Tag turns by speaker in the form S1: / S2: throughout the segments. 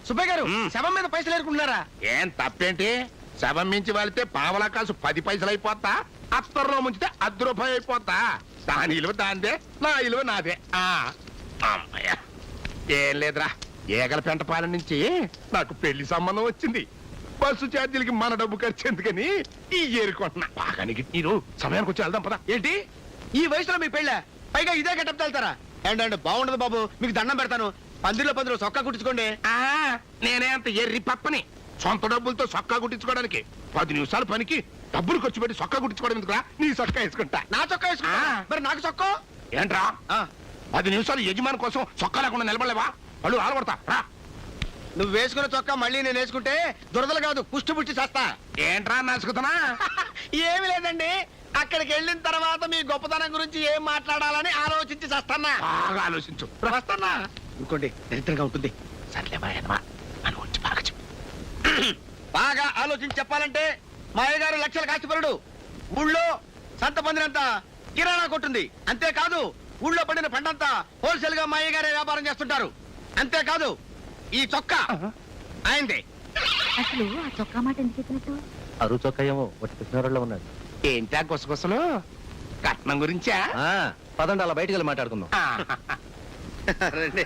S1: సుబ్బయ్య గారు శవం మీద పైసలు ఏరుకుంటున్నారా?
S2: ఏం తప్పేంటి? శవం మించి వాళ్తే పావలా కాసు 10 పైసలు అయిపోతా, అత్తర్లో ముంచితే 10 రూపాయలు అయిపోతా. దాని ఇలువ దాందే, నా ఇలువ నాదే. అమ్మయ్య, ఏం లేదురా, ఏగల పెంటపాలెం నుంచి నాకు పెళ్లి సంబంధం వచ్చింది. బస్సు ఛార్జీలకి మన డబ్బు ఖర్చు ఎందుకని ఈ ఏరుకుంటున్నా. బాగా నీరు సమయానికి వచ్చి వెళ్దాం పదా.
S1: ఏంటి ఈ వయసులో మీ పెళ్ళ? పైగా ఇదే గెటప్ వెళ్తారా? ఏంటంటే బాగుండదు బాబు, మీకు దండం పెడతాను. పందిరిలో సొక్కా కుట్టించుకోండి.
S2: నేనే అంత ఎర్రి పప్పని సొంత డబ్బులతో సొక్కా కుట్టించుకోవడానికి 10 నిమిషాలు పనికి డబ్బులు ఖర్చు పెట్టి సొక్కా కుట్టించుకోవడం ఎందుకురా? నీ సొక్కా వేసుకుంటా.
S1: నా చొక్కా వేసుకుంటా? మరి నాకు చొక్కా
S2: ఏంట్రా? 10 నిమిషాలు యజమాని కోసం సొక్కా లేకుండా నిలబడలేవా? వాళ్ళు ఆలబడతా రా.
S1: నువ్వు వేసుకున్న చొక్కా మళ్ళీ నేను వేసుకుంటే దురదలు కాదు, పుష్టి పుష్టి చేస్తా.
S2: ఏంట్రా నసుకుతున్నా?
S1: ఏమి లేదండి, అక్కడికి వెళ్ళిన తర్వాత మీ గొప్పతనం గురించి ఏం మాట్లాడాలని ఆలోచించి చేస్తానా.
S2: బాగా ఆలోచించు.
S1: వస్తానా? ఇంకోండి దరిద్రంగా ఉంటుంది.
S2: సర్లేమా అని వచ్చి బాగా చెప్పు.
S1: బాగా ఆలోచించి చెప్పాలంటే మా అయ్యగారు లక్షల కాచిపరుడు. ఊళ్ళో సంత పొందినంత కిరాణా కొట్టుంది. అంతేకాదు ఊళ్ళో పడిన పంటంతా హోల్సేల్ గా మా అయ్యగారే వ్యాపారం చేస్తుంటారు. అంతేకాదు ఈ చొక్కా ఆయనదే.
S3: అసలు ఆ చొక్కా మాట ఎందుకు చెప్పినట్టు?
S4: అరువు చొక్కా ఏమో ఒకటి కృష్ణారావులో ఉన్నాడు.
S2: ఏంటా గుసగుసలు? కట్నం గురించా?
S4: పదండి అలా బయటికి వెళ్ళి మాట్లాడుకుందాం.
S1: రండి.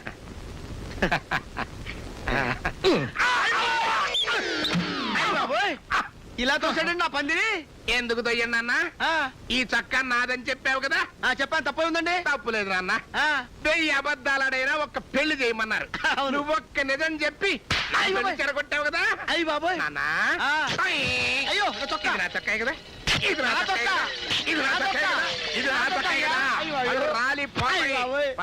S1: ఇలా తోసాడండి నా పందిని.
S2: ఎందుకు దొయ్యన్న? ఈ చక్కా నాదని చెప్పావు కదా.
S1: చెప్పాను, తప్పే ఉందండి.
S2: తప్పులేదు నాన్న. 1000 అబద్ధాలడైనా ఒక్క పెళ్లి చేయమన్నారు. నువ్వు ఒక్క నిజం చెప్పి చెరగొట్టావు కదా.
S1: అయ్యి బాబోయ్
S2: నాన్న.
S1: అయ్యో చొక్కా.
S2: ఇది నా చొక్కా కదా, ఇది నా చొక్కా కదా, ఇది నా చొక్కా కదా, ఇది నా చొక్కా కదా. రాలి